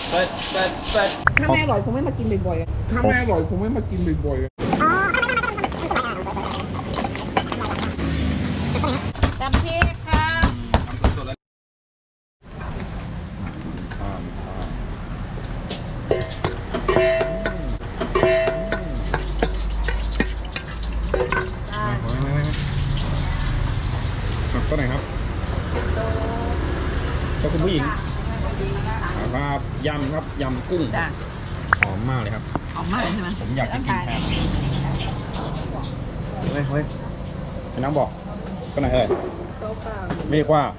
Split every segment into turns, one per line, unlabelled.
ถ้าแม่อร่อยคงไม่มากินบ่อยๆถ้าแม่อร่อยคงไม่มากินบ่อยๆตำพริกค่ะ
ก็ไหนครับก็คุณผู้หญิงครับยำครับยำกุ้งหอมมากเลยครับ
หอมมากเลยใช่ไหม
ผมอยากกินแทนเฮ้ยพี่น้องบอกก็ไหนเอ่ยเรียกว่า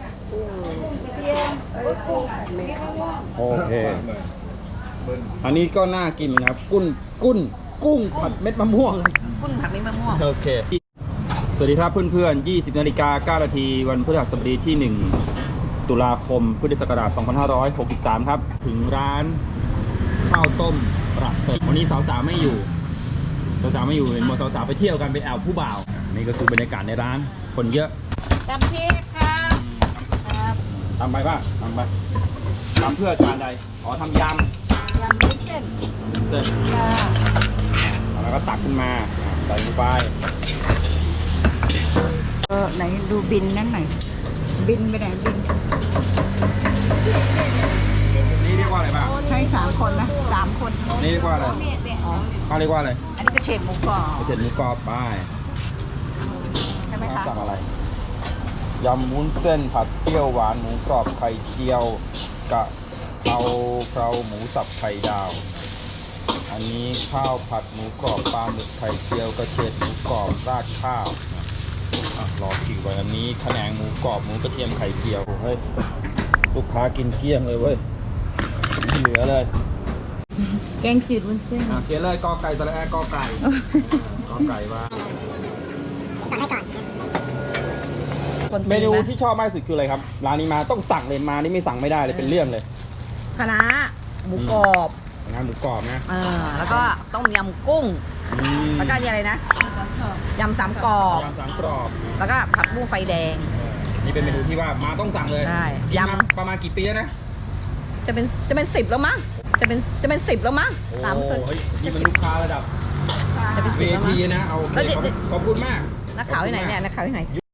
โอเคอันนี้ก็น่ากินนะครับกุ้งผัดเม็ดมะม่วง
กุ้งผัดเม็ดมะม่วง
โอเคสวัสดีครับเพื่อนๆ 20 นาฬิกา 9 นาทีวันพฤหัสบดีที่ 1 ตุลาคม พุทธศักราช 2563 ครับ ถึงร้านข้าวต้มประเสริฐวันนี้สาวๆไม่อยู่เห็นหมดสาวๆไปเที่ยวกันไปแอวผู้บ่าว นี่ก็คือบรรยากาศในร้านคนเยอะ
ตำพริกค่ะครับ
ทำไปป่ะทำไปทำเพื่อจานใดอ๋อทำยำ
ยำวุ้นเส้น
เสร็จ
ค่ะ
แล้วก็ตักขึ้นมาใส่ลงไป
ไหนดูบินนั่นหน่อยบินไปไหนบิน
นี่เรียกว่าอะไรบ้าง
ใช่3 คนนะ3 คน
นี่เรียกว่าอะไร
อ๋อ
เขาเรียกว่าอะไร
อันนี้ก็เฉดหมูกรอบ
เสร็จหมูกรอบไป
ใช่ไหมคะ
สั่งอะไรยำวุ้นเส้นผัดเปรี้ยวหวานหมูกรอบไข่เจียวกะเพราหมูสับไข่ดาว อันนี้ข้าวผัดหมูกรอบปลาหมึกไข่เจียวกระเทียมหมูกรอบราดข้าวรอคิวไว้อันนี้แขนงหมูกรอบหมูกระเทียมไข่เจียวเฮ้ยลูกค้ากินเกลี้ยงเลยเว้ยไม่เหลือเลย
แกงจืดวุ้นเส้น
เขียนเลยกอไก่สระแอกอไก่กอไก่ว่าเมนูที่ชอบมากที่สุดคืออะไรครับร้านนี้มาต้องสั่งเลยมานี่ไม่สั่งไม่ได้เลยเป็นเรื่องเลย
คะน้าหมูกรอบ
งานหมูกรอบนะ
แล้วก็ต้มยำกุ้งแล้วก็อะไรนะยำ3 กรอบ
ยำ3 กรอบ
แล้วก็ผักบุ้งไฟแดง
นี่เป็นเมนูที่ว่ามาต้องสั่งเลย
ใช่
กินมาย
ำ
ประมาณกี่ปีแล้วนะ
จะเป็น10แล้วมั้งจะเป็น10แล้วมั้ง
โอ้
3 คน
เฮ้ยนี่เป็นลูกค้าระดับ
จะเป็น10แล้วมั้ง
VIP นะเอาโอเค
แล้วเดี๋ยว
ขอบคุณมาก
นักข่าวที่ไหนเนี่ยนักข่าวที่ไหน